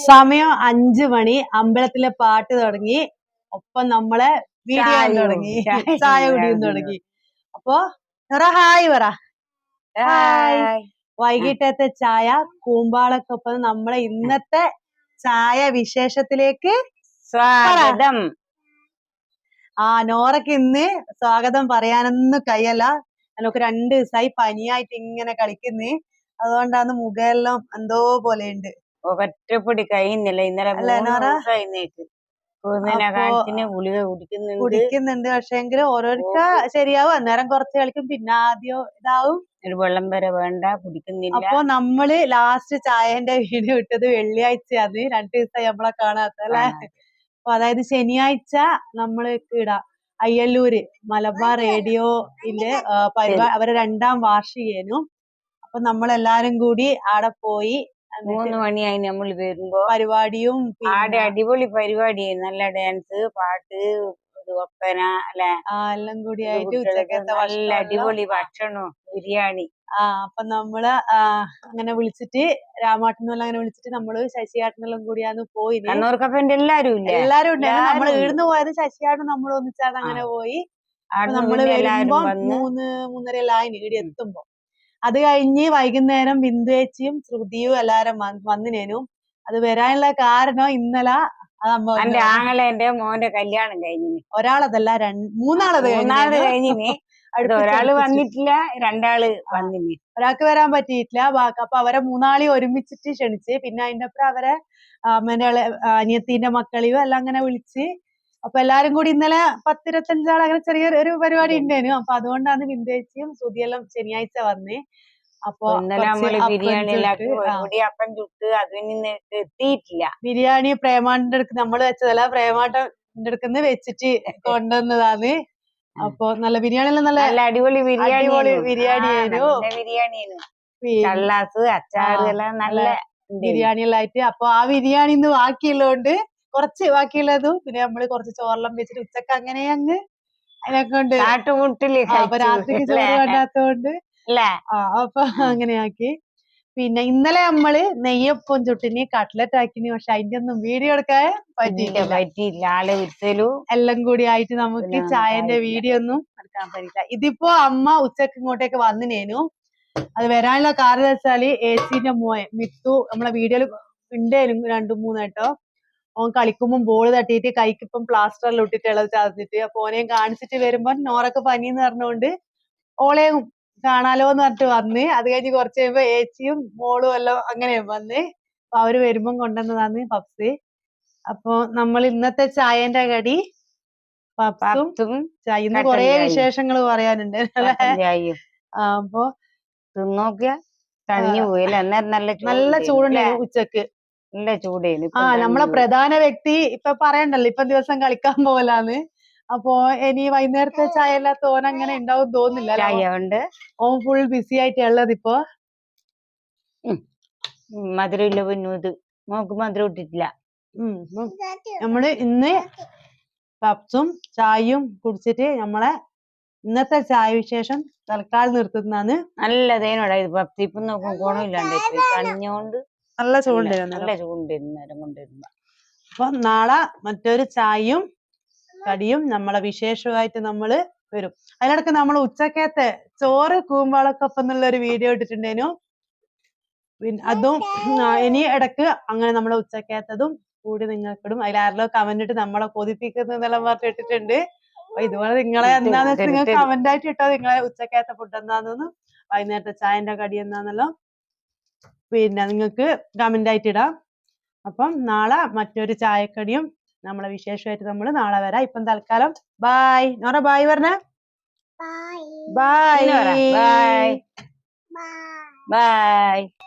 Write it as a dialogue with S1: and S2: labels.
S1: സമയം 5 മണി. അമ്പലത്തിലെ പാട്ട് തുടങ്ങി. ഒപ്പം നമ്മളെ വീഡിയോ തുടങ്ങി, ചായ കുടിയും തുടങ്ങി. അപ്പൊ ഹായ് പറ. ഹായ്. വൈകിട്ടത്തെ ചായ കൂമ്പാളക്കൊപ്പം നമ്മളെ ഇന്നത്തെ ചായ വിശേഷത്തിലേക്ക്
S2: സ്വാഗതം.
S1: നോറയ്ക്ക് ഇന്ന് സ്വാഗതം പറയാനൊന്നും കഴിയല്ല. നമുക്ക് 2 ദിവസമായി പനിയായിട്ട് ഇങ്ങനെ കളിക്കുന്നേ. അതുകൊണ്ടാണ് മുഖമെല്ലാം എന്തോ പോലെയുണ്ട്.
S2: ഒറ്റപ്പൊടി കഴിയുന്നില്ല. ഇന്നലെ 3 ദിവസം ഗുളിക
S1: കുടിക്കുന്നുണ്ട്. പക്ഷെങ്കിൽ ഓരോരുത്തർ ശരിയാവും. അന്നേരം കുറച്ച് കളിക്കും, പിന്നെ ആദ്യം ഇതാവും.
S2: ഒരു വെള്ളം വരെ വേണ്ട, കുടിക്കുന്നില്ല.
S1: അപ്പൊ നമ്മള് ലാസ്റ്റ് ചായന്റെ വീഡിയോ ഇട്ടത് വെള്ളിയാഴ്ചയാണ്. 2 ദിവസമായി നമ്മളെ കാണാത്ത അല്ലെ. അപ്പൊ അതായത് ശനിയാഴ്ച നമ്മള് ഇടാം അയ്യല്ലൂര് മലബാർ റേഡിയോയില് പരിപാടി, അവരെ 2ാം വാർഷികേനും. അപ്പൊ നമ്മളെല്ലാരും കൂടി ആടെ പോയി.
S2: 3 മണിയായി നമ്മൾ വരുമ്പോ
S1: പരിപാടിയും
S2: ആടെ അടിപൊളി പരിപാടിയായി. നല്ല ഡാൻസ്, പാട്ട്, ഒപ്പന അല്ലെ,
S1: എല്ലാം കൂടി ആയിട്ട് ഉച്ചക്കത്തെ
S2: നല്ല അടിപൊളി ഭക്ഷണവും ബിരിയാണി.
S1: അപ്പൊ നമ്മള് അങ്ങനെ വിളിച്ചിട്ട് രാമാട്ടനെല്ലാം അങ്ങനെ വിളിച്ചിട്ട് നമ്മള് ശശിയാട്ടനെല്ലാം കൂടിയാണ് പോയി.
S2: കണ്ണൂർക്കപ്പന്റെ എല്ലാരും
S1: ഉണ്ടായിരുന്നു. നമ്മൾ ഈടുന്ന് പോയത് ശശിയാട്ടൻ നമ്മൾ ഒന്നിച്ചാണ് അങ്ങനെ പോയി. നമ്മള് വരുമ്പോ 3-3:30 എല്ലാം ആയി ഈട് എത്തുമ്പോ. അത് കഴിഞ്ഞ് വൈകുന്നേരം ബിന്ദുവേച്ചിയും ശ്രുതിയും എല്ലാരും വന്നിനേനും. അത് വരാനുള്ള കാരണം ഇന്നലെ
S2: എന്റെ ആങ്ങളെന്റെ മോന്റെ കല്യാണം കഴിഞ്ഞിന്.
S1: ഒരാളതല്ല, 3
S2: കഴിഞ്ഞിന്. ഒരാള് വന്നിട്ടില്ല, 2 വന്നിന്.
S1: ഒരാൾക്ക് വരാൻ പറ്റിയിട്ടില്ല. അപ്പൊ അവരെ 3 ഒരുമിച്ചിട്ട് ക്ഷണിച്ച്. പിന്നെ അതിന്റെ അപ്പുറം അവരെ അനിയത്തിന്റെ മക്കളെയും എല്ലാം അങ്ങനെ വിളിച്ച്. അപ്പൊ എല്ലാരും കൂടി ഇന്നലെ 10-25 ആൾ അങ്ങനെ ചെറിയൊരു പരിപാടി ഉണ്ടായിരുന്നു. അപ്പൊ അതുകൊണ്ടാണ് ബിന്ദുവേച്ചിയും ശ്രുതിയെല്ലാം ശനിയാഴ്ച വന്നേ. അപ്പൊ ബിരിയാണി പ്രേമാന്റെ അടുത്ത് നമ്മള് വെച്ചതല്ല, പ്രേമാന്റെ അടുത്ത് വെച്ചിട്ട് കൊണ്ടുവന്നതാണ്. അപ്പൊ നല്ല ബിരിയാണി എല്ലാം നല്ല
S2: അടിപൊളി
S1: ബിരിയാണി
S2: അച്ചാറ് എല്ലാം നല്ല
S1: ബിരിയാണി എല്ലാം ആയിട്ട്. അപ്പൊ ആ ബിരിയാണി ഇന്ന് ബാക്കിയുള്ളതുകൊണ്ട് കുറച്ച് ബാക്കിയുള്ളതും പിന്നെ നമ്മള് കുറച്ച് ചോറെല്ലാം വെച്ചിട്ട് ഉച്ചക്ക് അങ്ങനെ അങ്ങ് അതിനെക്കൊണ്ട് അപ്പൊ രാത്രിക്ക് ചോറ് വേണ്ടാത്തോണ്ട് അപ്പൊ അങ്ങനെ ആക്കി. പിന്നെ ഇന്നലെ നമ്മള് നെയ്യപ്പം ചുട്ടിന്, കട്ട്ലറ്റ് ആക്കിന്. പക്ഷെ അതിന്റെ ഒന്നും വീഡിയോ എടുക്കാൻ പറ്റിയില്ല. എല്ലാം കൂടി ആയിട്ട് നമുക്ക് ചായന്റെ വീഡിയോ ഒന്നും എടുക്കാൻ പറ്റില്ല. ഇതിപ്പോ അമ്മ ഉച്ചക്ക് ഇങ്ങോട്ടേക്ക് വന്നിനേനു. അത് വരാനുള്ള കാരണം വെച്ചാല് ഏച്ചിന്റെ മോൻ മിത്തു നമ്മളെ വീഡിയോയിൽ ഉണ്ടായിരുന്നു 2-3 കേട്ടോ. ഓൻ കളിക്കുമ്പോൾ ബോൾ തട്ടിയിട്ട് കൈക്ക് ഇപ്പം പ്ലാസ്റ്ററിൽ ഇട്ടിട്ടുള്ളത് ചതഞ്ഞിട്ട്. അപ്പൊ ഓനെയും കാണിച്ചിട്ട് വരുമ്പോ നോറൊക്കെ പനിന്ന് പറഞ്ഞുകൊണ്ട് ഓളെയും കാണാലോ എന്ന് പറഞ്ഞിട്ട് വന്ന്. അത് കഴിഞ്ഞ് കുറച്ച് കഴിയുമ്പോ ഏച്ചിയും മോളും എല്ലാം അങ്ങനെ വന്ന്. അപ്പൊ അവര് വരുമ്പം കൊണ്ടുവന്നതാണ് പപ്സ്. അപ്പൊ നമ്മൾ ഇന്നത്തെ ചായന്റെ കടി പപ്സും ചായ. ഇന്ന് കൊറേ വിശേഷങ്ങൾ പറയാനുണ്ട് അല്ലേ. അപ്പൊ നല്ല ചൂടുണ്ടായിരുന്നു ഉച്ചക്ക്.
S2: നല്ല ചൂടേനു.
S1: നമ്മളെ പ്രധാന വ്യക്തി ഇപ്പൊ പറയണ്ടല്ലോ, ഇപ്പൊ ദിവസം കളിക്കാൻ പോകലാന്ന്. അപ്പൊ ഇനി വൈകുന്നേരത്തെ ചായ എല്ലാം അങ്ങനെ ഉണ്ടാവും തോന്നില്ല. ഓൻ ഫുൾ ബിസി ആയിട്ട് ഉള്ളത് ഇപ്പൊ.
S2: മധുരം ഇല്ല പൊന്നു, മോക്ക് മധുരം ഇട്ടിട്ടില്ല.
S1: നമ്മള് ഇന്ന് പപ്സും ചായയും കുടിച്ചിട്ട് നമ്മളെ ഇന്നത്തെ ചായ വിശേഷം തൽക്കാലം നിർത്തുന്നതാണ്.
S2: നല്ല തേനോടാ ഇത് പപ്സ്. ഇപ്പൊ നോക്കും ഗുണമില്ലാണ്ട് കഞ്ഞോണ്ട്
S1: നല്ല
S2: ചൂടുണ്ടായിരുന്നു.
S1: അപ്പൊ നാളെ മറ്റൊരു ചായയും കടിയും നമ്മളെ വിശേഷമായിട്ട് നമ്മള് വരും. അതിനിടക്ക് നമ്മൾ ഉച്ചക്കത്തെ ചോറ് കൂമ്പാളക്കൊപ്പം എന്നുള്ള ഒരു വീഡിയോ ഇട്ടിട്ടുണ്ടേനു. അതും ഇനി ഇടക്ക് അങ്ങനെ നമ്മളെ ഉച്ചക്കത്തതും കൂടി നിങ്ങൾക്കിടും. അതിലാരല്ലോ കമന്റ് ഇട്ട് നമ്മളെ കൊതിപ്പിക്കുന്നെല്ലാം പറഞ്ഞിട്ട് ഇട്ടിട്ടുണ്ട്. അപ്പൊ ഇതുപോലെ നിങ്ങളെ എന്താന്ന് വെച്ചാൽ നിങ്ങൾ കമന്റ് ആയിട്ട് ഇട്ടോ, നിങ്ങളെ ഉച്ചക്കത്തെ ഫുഡ് എന്താണെന്നും വൈകുന്നേരത്തെ ചായന്റെ കടി എന്താണെന്നല്ലോ പിന്നെ നിങ്ങൾക്ക് കമന്റ് ആയിട്ട് ഇടാം. അപ്പം നാളെ മറ്റൊരു ചായക്കടിയും നമ്മളെ വിശേഷമായിട്ട് നമ്മൾ നാളെ വരാം. ഇപ്പം തൽക്കാലം ബായ്. നോറ ബായ് പറഞ്ഞ
S2: ബായ്.